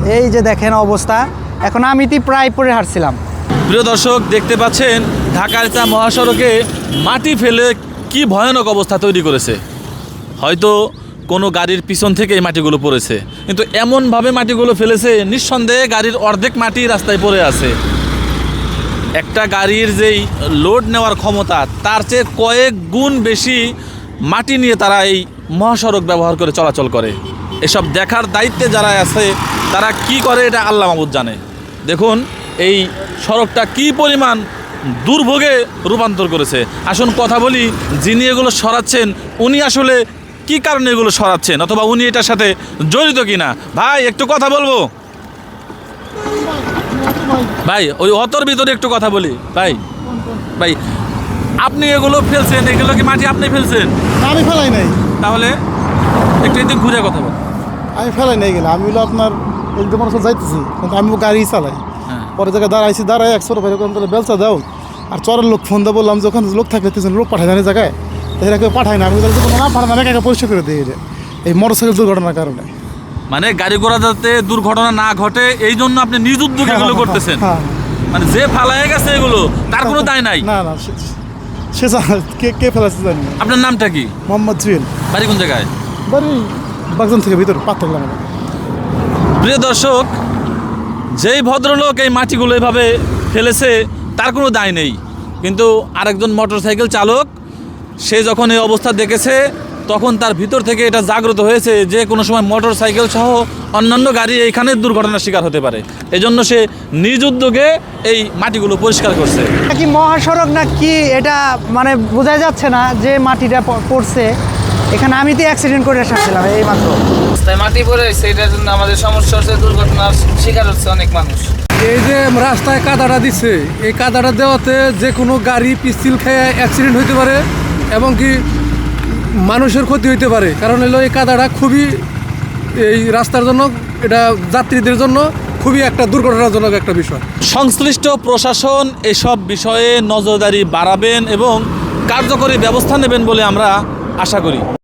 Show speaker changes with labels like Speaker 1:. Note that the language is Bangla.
Speaker 1: এই যে দেখেন অবস্থা, এখন আমি প্রায় পড়ে হাঁটছিলাম।
Speaker 2: প্রিয় দর্শক, দেখতে পাচ্ছেন ঢাকার চা মহাসড়কে মাটি ফেলে কি ভয়ানক অবস্থা তৈরি করেছে। হয়তো কোনো গাড়ির পিছন থেকে এই মাটিগুলো পড়েছে, কিন্তু এমনভাবে মাটিগুলো ফেলেছে নিঃসন্দেহে গাড়ির অর্ধেক মাটি রাস্তায় পড়ে আছে। একটা গাড়ির যেই লোড নেওয়ার ক্ষমতা তার চেয়ে কয়েক গুণ বেশি মাটি নিয়ে তারা এই মহাসড়ক ব্যবহার করে চলাচল করে। এসব দেখার দায়িত্বে যারা আছে তারা কি করে এটা আল্লাহ মাহবুদ জানে। দেখুন এই সড়কটা কি পরিমাণ দুর্ভোগে রূপান্তর করেছে। আসুন কথা বলি, যিনি এগুলো সরাচ্ছেন উনি আসলে কি কারণে এগুলো সরাচ্ছেন, অথবা উনি এটার সাথে জড়িত কিনা। ভাই একটু কথা বলবো ভাই, ওই অতর ভিতরে একটু কথা বলি। ভাই ভাই আপনি এগুলো ফেলছেন, এগুলো কি মাটি আপনি ফেলছেন?
Speaker 3: আমি ফেলাই নাই।
Speaker 2: তাহলে একটু একটু ঘুরে কথা বল।
Speaker 3: আমি ফেলাই নাই গেলে আমি হলো আপনার একদম যাইতেছি, কিন্তু আমি গাড়ি চালাই। পরে জায়গায় দাঁড়াই 100 টাকা বেলচা দাও। আর চরের লোক ফোন দিয়ে বললাম, যখন লোক থাকলে তিনজন লোক পাঠায় না জায়গায়, এরা কেউ পাঠায় না। আমি না পাঠান, আমি একা পরিষ্কার করে দিই এই মোটরসাইকেল দুর্ঘটনার কারণে।
Speaker 2: মানে গাড়ি ঘোড়া যাতে দুর্ঘটনা না ঘটে এই জন্য আপনি নিজ উদ্যোগে এগুলো করতেছেন। মানে যে ফালায় গেছে এগুলো তার কোনো দায় নাই।
Speaker 3: না না, সে কে ফেলাচ্ছে জানি না।
Speaker 2: আপনার নামটা কি?
Speaker 3: মোহাম্মদ জুয়েল।
Speaker 2: বাড়ি কোন জায়গায়?
Speaker 3: বাড়ি বাগজান থেকে ভিতর পাথর লাগানো।
Speaker 2: প্রিয় দর্শক, যেই ভদ্রলোক এই মাটিগুলো এভাবে ফেলেছে তার কোনো দায় নেই, কিন্তু আরেকজন মোটরসাইকেল চালক সে যখন এই অবস্থা দেখেছে তখন তার ভিতর থেকে এটা জাগ্রত হয়েছে যে কোনো সময় মোটরসাইকেল সহ অন্যান্য গাড়ি এইখানে দুর্ঘটনার শিকার হতে পারে। এজন্য সে নিজ উদ্যোগে এই মাটিগুলো পরিষ্কার করছে।
Speaker 1: কি মহাসড়ক না কি এটা মানে বোঝা যাচ্ছে না যে মাটিটা পড়ছে এখানে। আমি অ্যাক্সিডেন্ট করে আসছিলাম এই মাত্র,
Speaker 4: তাই মাটি পড়ে সেটার জন্য আমাদের সমস্যা হচ্ছে, দুর্ঘটনার শিকার হচ্ছে অনেক মানুষ।
Speaker 5: এই যে রাস্তায় কাদাটা দিচ্ছে, এই কাদাটা দেওয়াতে যে কোনো গাড়ি পিস্তিল খেয়ে অ্যাক্সিডেন্ট হইতে পারে এবং কি মানুষের ক্ষতি হইতে পারে। কারণ হলো এই কাদাটা খুবই এই রাস্তার জন্য, এটা যাত্রীদের জন্য খুবই একটা দুর্ঘটনাজনক একটা বিষয়।
Speaker 2: সংশ্লিষ্ট প্রশাসন এসব বিষয়ে নজরদারি বাড়াবেন এবং কার্যকরী ব্যবস্থা নেবেন বলে আমরা আশা করি।